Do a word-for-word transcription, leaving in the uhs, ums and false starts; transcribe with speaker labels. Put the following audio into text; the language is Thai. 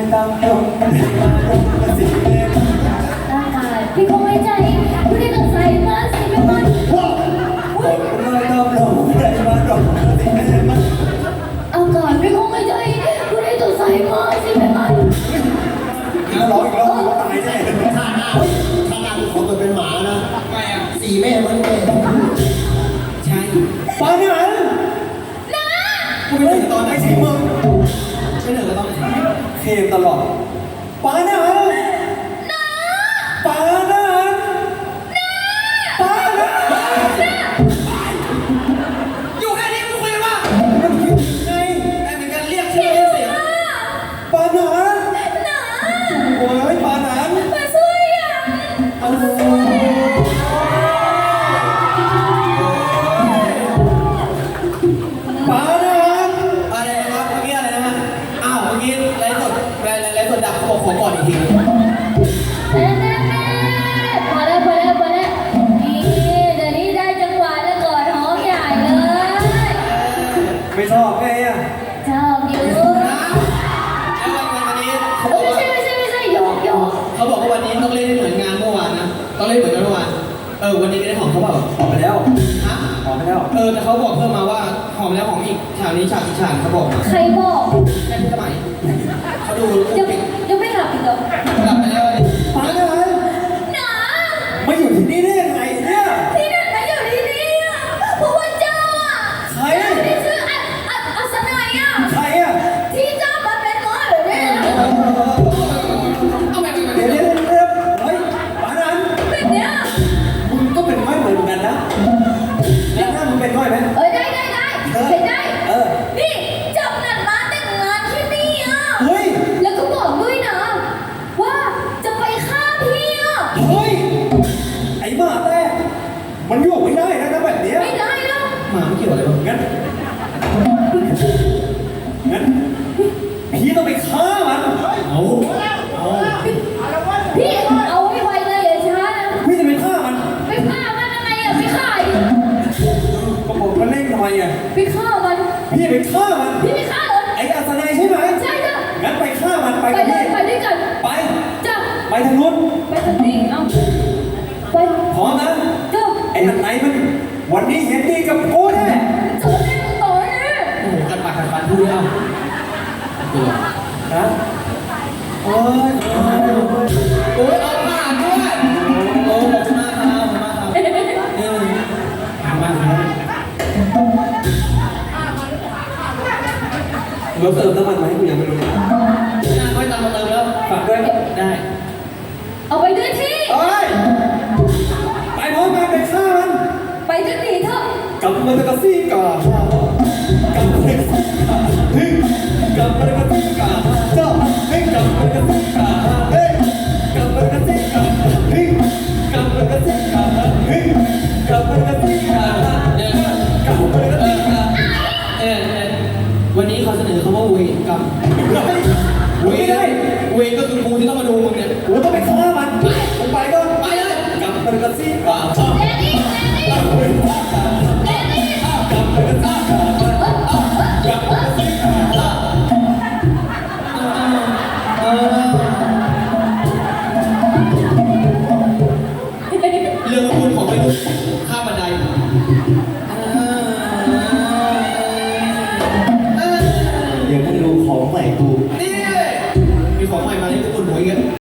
Speaker 1: ตามตรงมาตรงมาสิเล่น
Speaker 2: ร่างกายพี่คงไม่ใจผู้ที่ต้องใส่มาสิเป็นมัน
Speaker 1: มาตามตรงมามาตรงมาสิเล่นมัน
Speaker 2: อากาศพี่คงไม่ใจผู้ที่ต้องใส่มาสิเป็นมัน
Speaker 1: ถ้าร้องอีกรอบตายแน่
Speaker 3: ข้าหน้าข้าหน้าขอตัวเป็นหมานะไงอ่ะสี่แม่มันแม่ใช่
Speaker 1: ปาเนี่ยมัน
Speaker 2: นะ
Speaker 1: กูไม่ได้ตอนไหนสิมึง
Speaker 3: ไม่เหนื่อยก็ต้อง
Speaker 1: เคมตลอดปาเนี่ยมัน
Speaker 2: นะ
Speaker 1: ปาเนี่ยมันปาเนี่ย
Speaker 3: อยู่แค่นี้มึงคุยว่า
Speaker 1: มันคิดไง
Speaker 3: แต่เป็นการเรียกชื่อเรียกเสียง
Speaker 1: ปาเนี่ยมัน
Speaker 2: นะ
Speaker 1: โอ้ยปาเนี่ย
Speaker 2: มาช่วยอ่ะ
Speaker 1: เอาเลยปาเนี่ย
Speaker 3: อะไรนะครับเมื่อกี้อะไรนะฮะอ้าวเมื่อกี้ไลฟ์สดไลฟ์ไลฟ์สดดับเขาบอกขอก่อนอีกที
Speaker 2: เน่เน่เน่พอแล้วพอแล้วพอแล้วนี่เดี๋ยวนี้ได้จังหวะแล้วก่อนหอมใหญ่เลย
Speaker 1: ไม่ชอบไงอ่ะ
Speaker 2: ชอบอยู่
Speaker 3: แล้ววันวันนี้เขาบอกว่า
Speaker 2: ไม่ใช่ไม่ใช่ไม่ใช่หยอกหยอก
Speaker 3: เขาบอกว่าวันนี้ต้องเล่นเหมือนงานเมื่อวานนะต้องเล่นเหมือนกันเมื่อวานเออวันนี้ได้หอมเขาบอก
Speaker 1: ออกไปแล้ว
Speaker 3: ฮะ
Speaker 1: ออกไปแล้ว
Speaker 3: เออแต่เขาบอกเพิ่มมาว่าหอมแล้วหอมอีกฉากนี้ฉากอีกฉากเขาบอกมา
Speaker 2: ใครบอก
Speaker 3: แค่พี่สมัยเขาดู
Speaker 2: ยังยังไม่หลับอีกเหรอ
Speaker 3: หลับไปแล้ว
Speaker 1: ปาเนี่ยมัน
Speaker 2: หนา
Speaker 1: มาอยู่ที่นี่ได้ยังไงเนี่ย
Speaker 2: ที่นั่นไหนอยู่ที่นี่อ่ะเพราะว่าเจ้าอ่ะ
Speaker 1: ใคร
Speaker 2: ที่ชื่ออัศอัศอัศนัยอ่ะ
Speaker 1: ใครอ่ะ
Speaker 2: ที่เจ้ามาเป็นหมอหรือเนี่ย
Speaker 3: เอาไปไปไป
Speaker 1: เดี๋ยวเดี๋ยวเดี๋ยวเฮ้ยปานั้น
Speaker 2: เป็นเนี่ย
Speaker 1: มึงก็เป็นง่อยเหมือนกันนะแล้วหน้ามึงเป็นง่อยไหม
Speaker 2: เออได้ได้ได้เป็นได้
Speaker 1: เออ
Speaker 2: นี่เจ้านัดมาแต่งงานที่นี่อ่ะ
Speaker 1: เฮ้ย
Speaker 2: แล้วก็บอกด้วยนะว่าจะไปฆ่าพี่อ่ะ
Speaker 1: เฮ้ยไอ้หมาแต่มันอยู่ไม่ได้นะแบบนี้
Speaker 2: ไม่ได้หรอก
Speaker 3: หมาไม่เกี่ยวอะไรหรอก
Speaker 1: งั้นงั้นพี่ต้องไปฆ่ามัน
Speaker 3: เอาเอา
Speaker 2: พี่เอาไว้ไวเลยอย่าช้านะ
Speaker 1: พี่จะไปฆ่ามัน
Speaker 2: ไปฆ่ามันอะไรอ่ะไปฆ่าอีก
Speaker 1: ก็บอกมันเล่นทำไมอ่ะ
Speaker 2: ไปฆ่ามัน
Speaker 1: พี่ไปฆ่ามัน
Speaker 2: พี่ไปฆ่าเหรอ
Speaker 1: ไอ้อัศนัยใช่ไหม
Speaker 2: ใช่จ้ะ
Speaker 1: งั้นไปฆ่ามันไป
Speaker 2: ไป
Speaker 1: กับ
Speaker 2: เลย
Speaker 1: พี่
Speaker 2: ไปด้วยกัน
Speaker 1: ไป
Speaker 2: จ้ะ
Speaker 1: ไปทางนู้น
Speaker 2: ไปทางนี้เอาไป
Speaker 1: พร้อมนะ
Speaker 2: จ้ะ
Speaker 1: ไอ้อัศนัยมันวันนี้เห็นดีกับกูแน่
Speaker 2: เจอแน่ต่อแน่
Speaker 3: โอ้โหกันปากกันฟันพูดเอาตัว
Speaker 1: นะโอ้ย
Speaker 3: โอ้ยเอาผ่านด้วยโอ้ขอบคุณมากครับขอบคุณมากครับเออขอบคุณมากครับ
Speaker 1: เราเติมน้ำมันไหมกูยังไม่รู้เลย
Speaker 3: น่าค่อยตามมาเติมแล้ว
Speaker 1: ฝากด้วย
Speaker 3: ได้
Speaker 2: เอาไปด้วยที่
Speaker 1: เอ้ยไปพร้อมกันไปฆ่ามัน
Speaker 2: ไปด้วยดีเถอะ
Speaker 1: กลับมาตะกซี่ก่อนกลับมาตะกซี่ก่อนเฮ้ยกลับมาตะกซี่ก่อนเจ้าเฮ้ยกลับมาตะกซี่ก่อนเฮ้ยกลับมาตะกซี่ก่อนเฮ้ยกลับมาตะกซี่ก่อนเฮ้ยกลับมาตะกซี่ก่อน
Speaker 3: เออก
Speaker 1: ลับมาตะกซี่ก่อน
Speaker 3: เออเออวันนี้เขาเสนอคำว่าเวรกรรมเวร
Speaker 1: ไม่ได้
Speaker 3: เวรก็คือกูที่ต้องมาดูมึงเนี่ย
Speaker 1: กูต้องไปฆ่ามันกูไปก็
Speaker 3: ไปเลย
Speaker 1: กลับมาตะกซี่ก่อน
Speaker 2: เดนี่เดนี่เดนี่
Speaker 1: กลับมาตะกซี่ก่อนกลับมาตะกซี่ก่อน
Speaker 3: เออเรื่องคุณของไม่รู้ข้ามบันได
Speaker 1: เดี๋ยวมึงดูของใหม่กู
Speaker 3: นี่มีของใหม่มาให้ทุกคนดูอีก